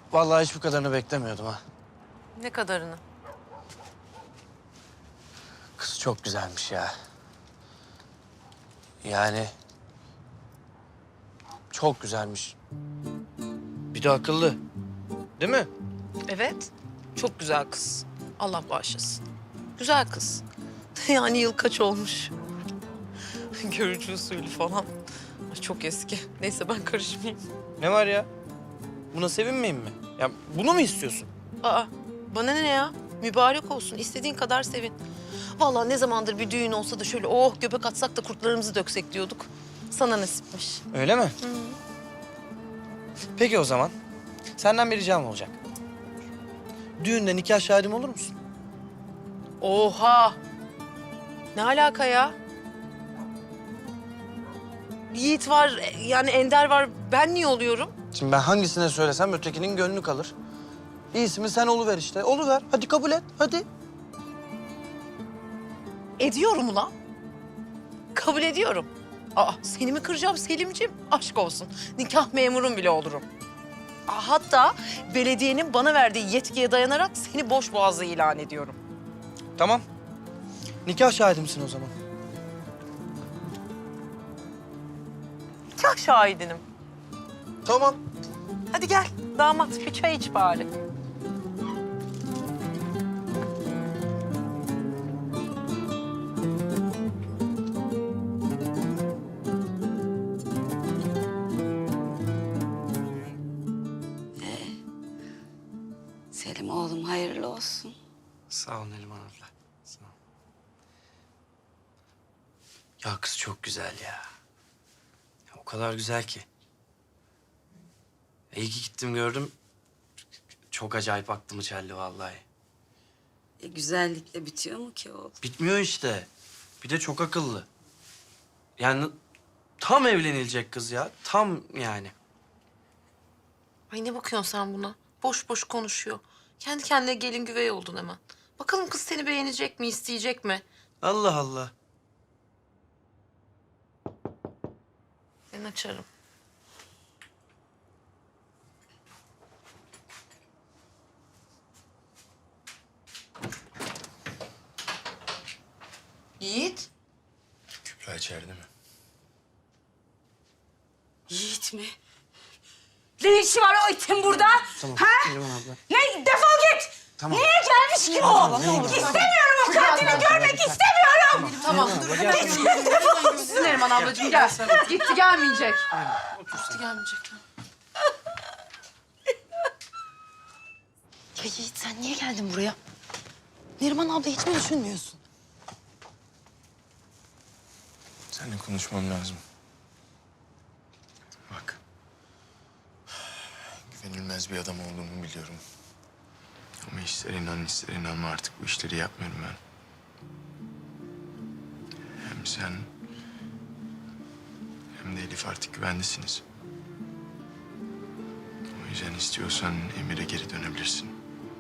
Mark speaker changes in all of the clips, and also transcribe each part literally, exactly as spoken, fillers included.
Speaker 1: Vallahi hiç bu kadarını beklemiyordum ha.
Speaker 2: Ne kadarını?
Speaker 1: Kız çok güzelmiş ya. Yani çok güzelmiş. Bir de akıllı. Değil mi?
Speaker 2: Evet. Çok güzel kız. Allah bağışlasın. Güzel kız. Yani yıl kaç olmuş? Görücü usulü falan. Ay, çok eski. Neyse ben karışmayayım.
Speaker 1: Ne var ya? Buna sevinmeyeyim mi? Ya bunu mu istiyorsun?
Speaker 2: Aa, bana ne ya? Mübarek olsun. İstediğin kadar sevin. Vallahi ne zamandır bir düğün olsa da şöyle oh göbek atsak da kurtlarımızı döksek diyorduk. Sana nasipmiş.
Speaker 1: Öyle mi? Peki o zaman. Senden bir ricam olacak. Düğünde nikah şahidim olur musun?
Speaker 2: Oha! Ne alaka ya? Yiğit var, yani Ender var. Ben niye oluyorum?
Speaker 1: Şimdi ben hangisine söylesem ötekinin gönlü kalır. İyisi mi sen oluver işte. Oluver. Hadi kabul et. Hadi.
Speaker 2: Ediyorum ulan. Kabul ediyorum. Aa, seni mi kıracağım Selimciğim? Aşk olsun. Nikah memurum bile olurum. Aa, hatta belediyenin bana verdiği yetkiye dayanarak seni boş boğazlı ilan ediyorum.
Speaker 1: Tamam. Nikah şahidimsin o zaman.
Speaker 2: Nikah şahidinim.
Speaker 1: Tamam.
Speaker 2: Hadi gel damat bir çay iç bari.
Speaker 3: Selim oğlum hayırlı olsun.
Speaker 1: Sağ ol Neriman abla. Sağ ol. Ya kız çok güzel ya. Ya o kadar güzel ki. İyi ki gittim gördüm. Çok acayip aklımı çeldi vallahi.
Speaker 3: E, güzellikle bitiyor mu ki oğlum?
Speaker 1: Bitmiyor işte. Bir de çok akıllı. Yani tam evlenilecek kız ya. Tam yani.
Speaker 2: Ay ne bakıyorsun sen buna? Boş boş konuşuyor. Kendi kendine gelin güvey oldun hemen. Bakalım kız seni beğenecek mi, isteyecek mi?
Speaker 1: Allah Allah.
Speaker 2: Ben açarım. Yiğit.
Speaker 1: Kübra içeride mi?
Speaker 3: Yiğit mi? Ne işi var o itin burada?
Speaker 1: Tamam.
Speaker 3: Ha?
Speaker 1: Neriman abla.
Speaker 3: Ne? Defol git!
Speaker 1: Tamam.
Speaker 3: Niye gelmiş ki bu? İstemiyorum o katili görmek istemiyorum!
Speaker 2: Tamam. Dur. Neriman ablacığım gel. Gitti gelmeyecek. Gitti gelmeyecek.
Speaker 4: Ya Yiğit sen niye geldin buraya? Neriman abla hiç mi düşünmüyorsun?
Speaker 5: Seninle konuşmam lazım. Bak. Güvenilmez bir adam olduğumu biliyorum. Ama ister inan ister inanma artık bu işleri yapmıyorum ben. Hem sen hem de Elif artık güvendesiniz. O yüzden istiyorsan Emir'e geri dönebilirsin.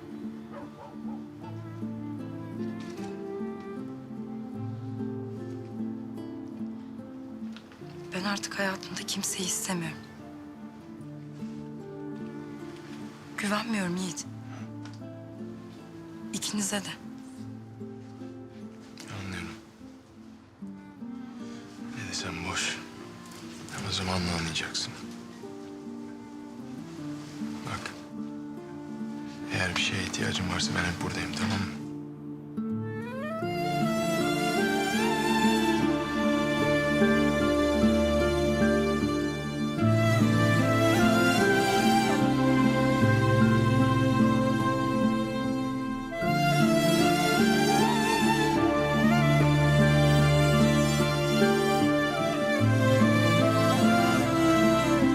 Speaker 4: Ben artık hayatımda kimseyi istemiyorum. Güvenmiyorum Yiğit. İkinize de.
Speaker 5: Anlıyorum. Ne desem boş. Ama zamanla anlayacaksın. Bak. Eğer bir şeye ihtiyacın varsa ben hep buradayım, tamam mı?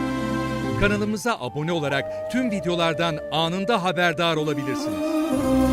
Speaker 6: Kanalımıza abone olarak tüm videolardan anında haberdar olabilirsiniz.